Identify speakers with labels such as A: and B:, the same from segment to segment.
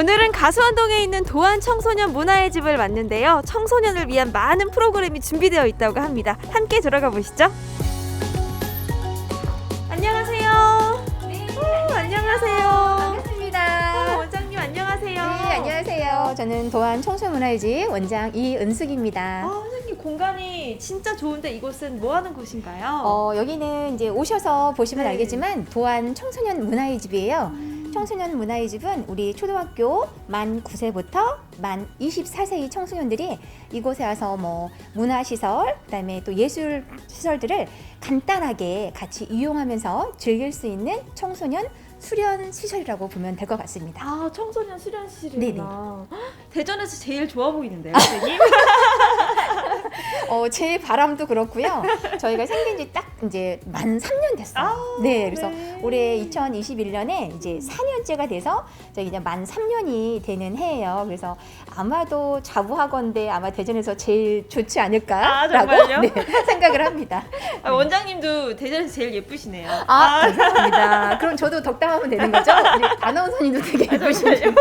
A: 오늘은 가수원동에 있는 도안 청소년 문화의 집을 왔는데요. 청소년을 위한 많은 프로그램이 준비되어 있다고 합니다. 함께 들어가 보시죠. 안녕하세요.
B: 네,
A: 안녕하세요.
B: 반갑습니다.
A: 원장님 안녕하세요.
B: 네, 안녕하세요. 저는 도안 청소년문화의 집 원장 이은숙입니다.
A: 선생님 공간이 진짜 좋은데 이곳은 뭐 하는 곳인가요?
B: 여기는 이제 오셔서 보시면
A: 네.
B: 알겠지만 도안 청소년 문화의 집이에요. 청소년 문화의 집은 우리 초등학교 만 9세부터 만 24세의 청소년들이 이곳에 와서 뭐 문화시설, 그다음에 또 예술 시설들을 간단하게 같이 이용하면서 즐길 수 있는 청소년 수련 시설이라고 보면 될 것 같습니다.
A: 청소년 수련실이구나. 대전에서 제일 좋아 보이는데요, 선생님?
B: 제 바람도 그렇고요. 저희가 생긴 지 딱 이제 만 3년 됐어요. 네, 그래서 올해 2021년에 이제 4년째가 돼서 저희 이제 만 3년이 되는 해예요. 그래서 아마도 자부하건대 아마 대전에서 제일 좋지 않을까라고
A: 정말요?
B: 네, 생각을 합니다.
A: 원장님도 대전에서 제일 예쁘시네요.
B: 감사합니다. 그럼 저도 덕담하면 되는 거죠? 우리 아나운서님도 되게 예쁘시네요.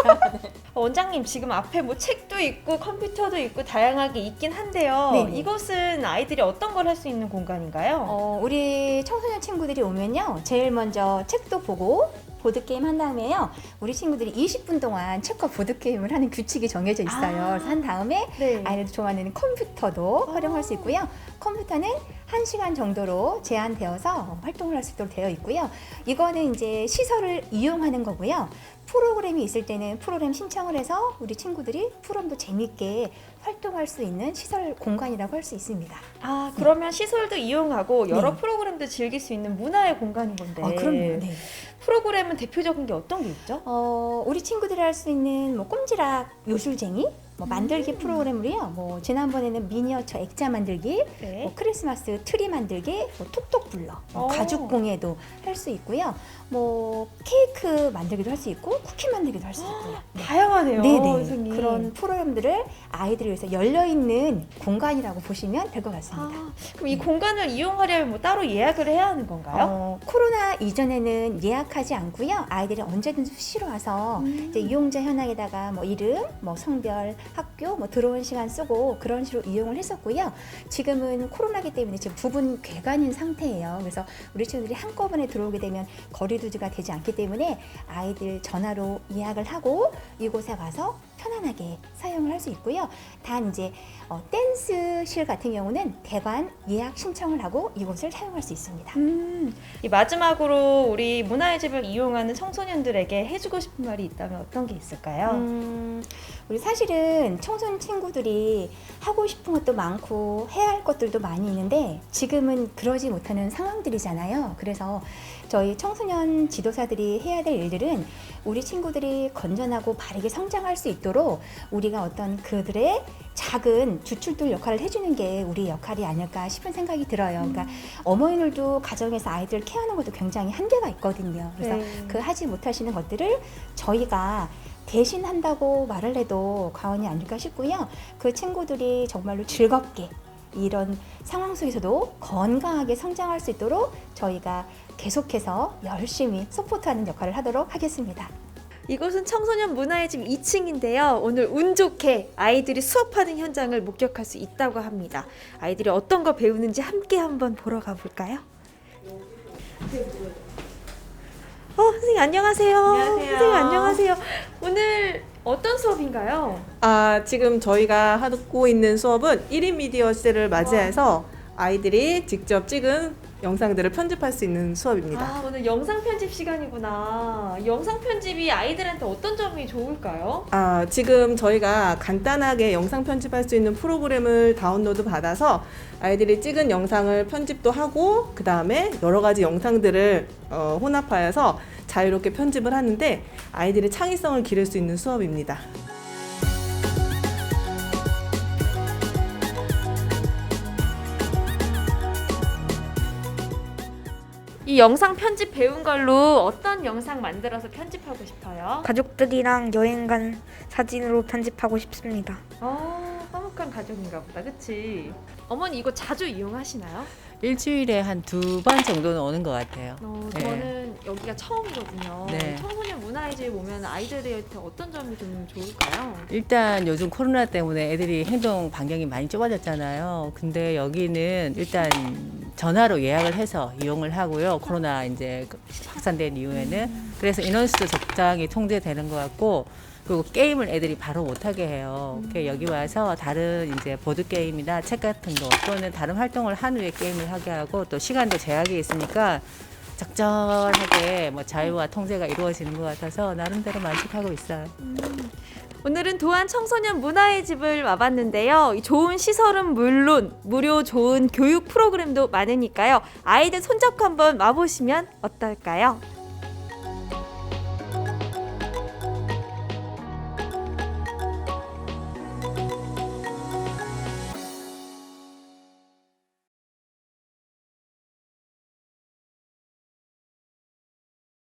A: 원장님 지금 앞에 뭐 책도 있고 컴퓨터도 있고 다양하게 있긴 한데요.
B: 네네.
A: 이곳은 아이들이 어떤 걸 할 수 있는 공간인가요?
B: 우리 청소년 친구들이 오면요, 제일 먼저 책도 보고 보드게임 한 다음에요, 우리 친구들이 20분 동안 책과 보드게임을 하는 규칙이 정해져 있어요. 그래서 한 다음에
A: 네.
B: 아이들도 좋아하는 컴퓨터도 활용할 수 있고요. 컴퓨터는 1시간 정도로 제한되어서 활동을 할 수 있도록 되어 있고요. 이거는 이제 시설을 이용하는 거고요. 프로그램이 있을 때는 프로그램 신청을 해서 우리 친구들이 프로그램도 재밌게 활동할 수 있는 시설 공간이라고 할 수 있습니다.
A: 그러면 시설도 이용하고 여러
B: 네.
A: 프로그램도 즐길 수 있는 문화의 공간인 건데.
B: 그럼요. 네.
A: 프로그램은 대표적인 게 어떤 게 있죠?
B: 우리 친구들이 할 수 있는 뭐 꼼지락 요술쟁이, 뭐 만들기 프로그램으로요. 뭐 지난번에는 미니어처 액자 만들기,
A: 네.
B: 뭐 크리스마스 트리 만들기, 뭐 톡톡 불러, 뭐
A: 오.
B: 가죽 공예도 할 수 있고요. 뭐 케이크 만들기도 할 수 있고 쿠키 만들기도 할 수 있고요. 네.
A: 다양하네요,
B: 네네.
A: 선생님.
B: 그런 프로그램들을 아이들을 위해서 열려 있는 공간이라고 보시면 될 것 같습니다.
A: 그럼 이 공간을 이용하려면 뭐 따로 예약을 해야 하는 건가요?
B: 코로나 이전에는 예약하지 않고요. 아이들이 언제든지 수시로 와서 이제 이용자 현황에다가 뭐 이름, 뭐 성별, 학교, 뭐 들어온 시간 쓰고 그런 식으로 이용을 했었고요. 지금은 코로나기 때문에 지금 부분 괴간인 상태예요. 그래서 우리 친구들이 한꺼번에 들어오게 되면 거리 두기가 되지 않기 때문에 아이들 전화로 예약을 하고 이곳에 와서 편안하게 사용을 할 수 있고요. 단 이제 댄스실 같은 경우는 대관 예약 신청을 하고 이곳을 사용할 수 있습니다.
A: 이 마지막으로 우리 문화의 집을 이용하는 청소년들에게 해주고 싶은 말이 있다면 어떤 게 있을까요?
B: 우리 사실은 청소년 친구들이 하고 싶은 것도 많고 해야 할 것들도 많이 있는데 지금은 그러지 못하는 상황들이잖아요. 그래서 저희 청소년 지도사들이 해야 될 일들은 우리 친구들이 건전하고 바르게 성장할 수 있도록 우리가 어떤 그들의 작은 주출들 역할을 해주는 게 우리 역할이 아닐까 싶은 생각이 들어요. 그러니까 어머니들도 가정에서 아이들 케어하는 것도 굉장히 한계가 있거든요. 그래서 그 하지 못하시는 것들을 저희가 대신 한다고 말을 해도 과언이 아닐까 싶고요. 그 친구들이 정말로 즐겁게 이런 상황 속에서도 건강하게 성장할 수 있도록 저희가 계속해서 열심히 서포트하는 역할을 하도록 하겠습니다.
A: 이곳은 청소년 문화의 집 2층인데요. 오늘 운 좋게 아이들이 수업하는 현장을 목격할 수 있다고 합니다. 아이들이 어떤 거 배우는지 함께 한번 보러 가볼까요? 선생님 안녕하세요.
C: 안녕하세요.
A: 선생님 안녕하세요. 오늘 어떤 수업인가요?
C: 지금 저희가 하고 있는 수업은 1인 미디어 시대를 맞이해서 아이들이 직접 찍은 영상들을 편집할 수 있는 수업입니다.
A: 오늘 영상 편집 시간이구나. 영상 편집이 아이들한테 어떤 점이 좋을까요?
C: 지금 저희가 간단하게 영상 편집할 수 있는 프로그램을 다운로드 받아서 아이들이 찍은 영상을 편집도 하고 그 다음에 여러 가지 영상들을 혼합하여서 자유롭게 편집을 하는데 아이들의 창의성을 기를 수 있는 수업입니다.
A: 이 영상 편집 배운 걸로 어떤 영상 만들어서 편집하고 싶어요?
D: 가족들이랑 여행 간 사진으로 편집하고 싶습니다.
A: 한번 행복한 가족인가 보다. 그치? 어머니 이거 자주 이용하시나요?
D: 일주일에 한 2번 정도는 오는 것 같아요. 네.
A: 저는 여기가 처음이거든요.
D: 네.
A: 청소년 문화의 집 오면 아이들한테 어떤 점이 좀 좋을까요?
D: 일단 요즘 코로나 때문에 애들이 행동 반경이 많이 좁아졌잖아요. 근데 여기는 일단 전화로 예약을 해서 이용을 하고요. 코로나 이제 확산된 이후에는. 그래서 인원수도 적당히 통제되는 것 같고, 그리고 게임을 애들이 바로 못하게 해요. 여기 와서 다른 이제 보드 게임이나 책 같은 거 또는 다른 활동을 한 후에 게임을 하게 하고, 또 시간도 제약이 있으니까 적절하게 뭐 자유와 통제가 이루어지는 것 같아서 나름대로 만족하고 있어요.
A: 오늘은 도안 청소년 문화의 집을 와봤는데요. 이 좋은 시설은 물론 무료 좋은 교육 프로그램도 많으니까요. 아이들 손잡고 한번 와보시면 어떨까요?